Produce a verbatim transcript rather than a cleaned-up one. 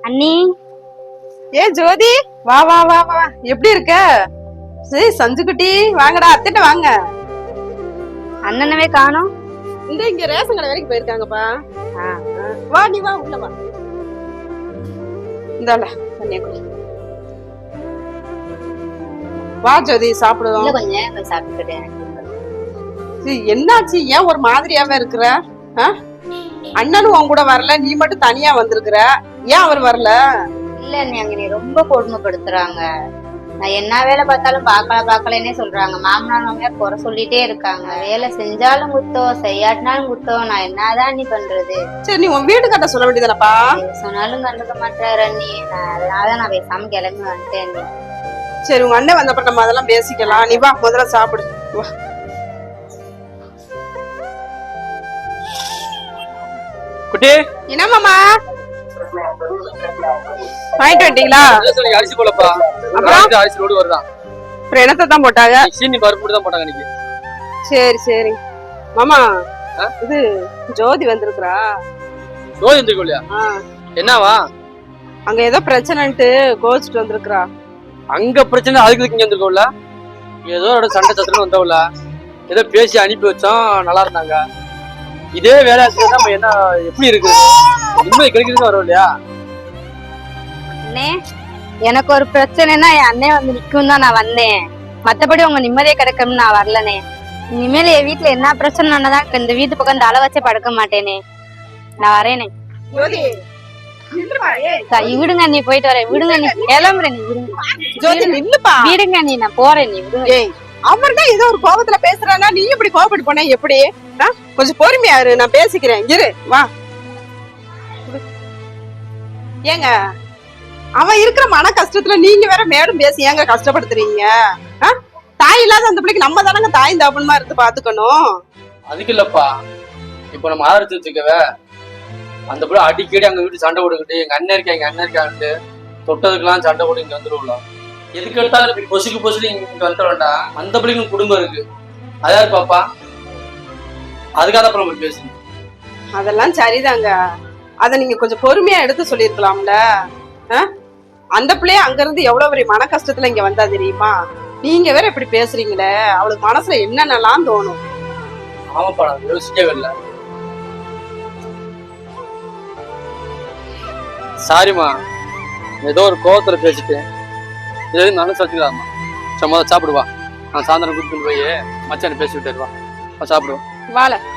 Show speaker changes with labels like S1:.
S1: அண்ணி
S2: ஏ ஜோதி, வா வா வா வா, எப்படி இருக்க? சரி சஞ்சுக்குட்டி, வாங்கடா, அத்திட்ட வாங்க.
S1: அண்ணனவே காணோம்.
S2: இந்த இங்க ரேஷன் கடை வரைக்கும் போயிருக்காங்கப்பா. வா நீ வா, உள்ள வா. இந்தால தண்ணிய குடி. வா ஜோதி, சாப்பிடுவோம்.
S1: கொஞ்சம் சாப்பிட்டுட்டேன்.
S2: என்னாச்சு, ஏன் ஒரு மாதிரியாவே இருக்கிற? அண்ணனும் உன் கூட வரல, நீ மட்டும் தனியா வந்திருக்கிற, ஏன் அவர் வரல?
S1: இல்ல நீ அங்க நீ ரொம்ப கொடுமைப்படுத்துறாங்க. நான் என்ன வேலை பார்த்தாலும் பாக்கல பாக்கலன்னே சொல்றாங்க. மாமனார் மாமியார் குறை சொல்லிட்டே இருக்காங்க. வேலை செஞ்சாலும் குத்தம், செய்யாட்டினாலும் குத்தம். நான் என்னதான் நீ பண்றது?
S2: சரி நீ உன் வீடு கட்ட சொல்ல வேண்டியதானப்பா.
S1: சொன்னாலும் கண்டுக்க மாட்டாரு அண்ணி. அதனாலதான் நான் பேசாம கிளம்பி வந்துட்டேன் அண்ணி.
S2: சரி உங்க அண்ணன் வந்தப்ப நம்ம அதெல்லாம் பேசிக்கலாம். நீ வா, முதல்ல சாப்பிடு வா.
S3: குட்டி
S2: என்ன மாமா வாங்கிட்டு வந்துட்டீங்களா?
S3: அரிசி போலப்பா. அப்புறம் அரிசி லோடு வருதான்.
S2: அப்புறம் என்னத்தை தான் போட்டாங்க?
S3: சீனி பருப்பு தான் போட்டாங்க இன்னைக்கு.
S2: சரி சரி மாமா, இது ஜோதி வந்திருக்கிறா.
S3: ஜோதி வந்திருக்கோம் இல்லையா? என்னவா?
S2: அங்க ஏதோ பிரச்சனைன்ட்டு கோச்சிட்டு வந்திருக்கிறா.
S3: அங்க பிரச்சனை, அதுக்கு இங்க வந்திருக்கோம்ல. ஏதோ சண்டை சத்திரம் வந்தவள ஏதோ பேசி அனுப்பி வச்சோம், நல்லா இருந்தாங்க. இதே வேலை நம்ம என்ன எப்படி இருக்கு, நிம்மதி கிடைக்கிறது வரும் இல்லையா?
S1: அண்ணே, எனக்கு ஒரு பிரச்சனைனா என் அண்ணே வந்து நிக்கும் தான் நான் வந்தேன். மத்தபடி உங்க நிம்மதியே கிடைக்கும்னு நான் வரலனே. இனிமேல் என் வீட்டுல என்ன பிரச்சனைதான் இந்த வீட்டு பக்கம் இந்த அள வச்சே படுக்க மாட்டேனே. நான் வரேனே. விடுங்க நீ, போயிட்டு வரேன். விடுங்க நீ, கிளம்புறேன். நீ விடுங்க, விடுங்க நீ, நான் போறேன். நீ விடுங்க.
S2: அவர் தான் ஏதோ ஒரு கோபத்துல பேசுறானா, நீ இப்படி கோபப்பட்டு போன எப்படி? கொஞ்சம் பொறுமையா இரு, நான் பேசிக்கிறேன். இரு வா. ஏங்க அவன் இருக்கிற மன கஷ்டத்துல நீங்க வேற மேலும் பேசி ஏங்க கஷ்டப்படுத்துறீங்க? தாய் இல்லாத அந்த பிள்ளைக்கு நம்ம தானங்க தாய் தாப்பனமா இருந்து பாத்துக்கணும்.
S3: அதுக்கு இல்லப்பா, இப்ப நம்ம ஆதரிச்சு வச்சுக்கவே அந்த பிள்ளை அடிக்கடி அங்க வீட்டு சண்டை போட்டுக்கிட்டு எங்க அண்ணன் இருக்கா எங்க அண்ணன் இருக்கான்ட்டு தொட்டதுக்கெல்லாம் சண்டை போட்டு இங்க வந்துடுவோம்ல. எதுக்கு எடுத்தாலும் பொசுக்கு பொசுக்கு இங்க வந்துட வேண்டாம். அந்த பிள்ளைங்க குடும்பம் இருக்கு, அதாவது பாப்பா அதுக்காக அப்புறம் நம்ம பேசணும்.
S2: அதெல்லாம் சரிதாங்க, அத நீங்க கொஞ்சம் பொறுமையா எடுத்து சொல்லிருக்கலாம்ல. அந்த பிள்ளைய அங்க இருந்து எவ்வளவு பெரிய மன கஷ்டத்துல இங்க வந்தா தெரியுமா? நீங்க வேற இப்படி பேசுறீங்களே, அவளுக்கு மனசுல என்னென்னலாம் தோணும்.
S3: ஆமாப்பா, நான் யோசிக்கவே இல்லை. சாரிம்மா, ஏதோ ஒரு கோவத்துல பேசிட்டேன். இது மனசு வச்சுக்கலாமா? சும்மா சாப்பிடுவா. நான் சாயந்தரம் கூப்பிட்டு போய் மச்சான பேசி விட்டுருவா. சாப்பிடுவோம்.
S2: வாழ